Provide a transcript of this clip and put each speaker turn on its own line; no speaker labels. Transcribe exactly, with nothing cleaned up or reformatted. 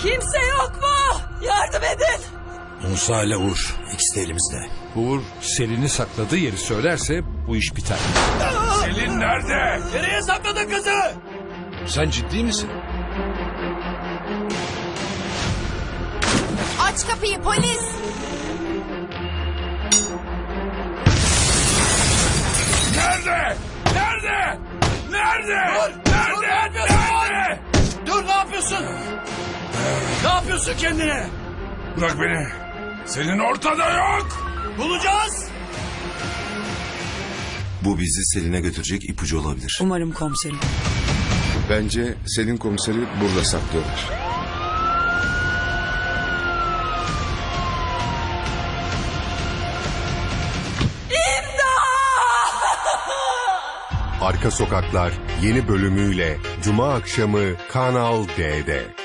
Kimse yok mu? Yardım edin.
Musa ile Uğur. İkisi de elimizde.
Uğur Selin'i sakladığı yeri söylerse bu iş biter.
Selin nerede?
Nereye sakladın kızı?
Sen ciddi misin?
Aç kapıyı polis.
Nerede? Nerede? Nerede?
Dur!
Nerede?
Dur, ne yapıyorsun?
Nerede?
Dur, ne yapıyorsun? Ne yapıyorsun kendine?
Bırak beni. Selin ortada yok.
Bulacağız.
Bu bizi Selin'e götürecek ipucu olabilir.
Umarım komiserim.
Bence Selin komiseri burada saklıyorlar.
Arka Sokaklar yeni bölümüyle Cuma akşamı Kanal D'de.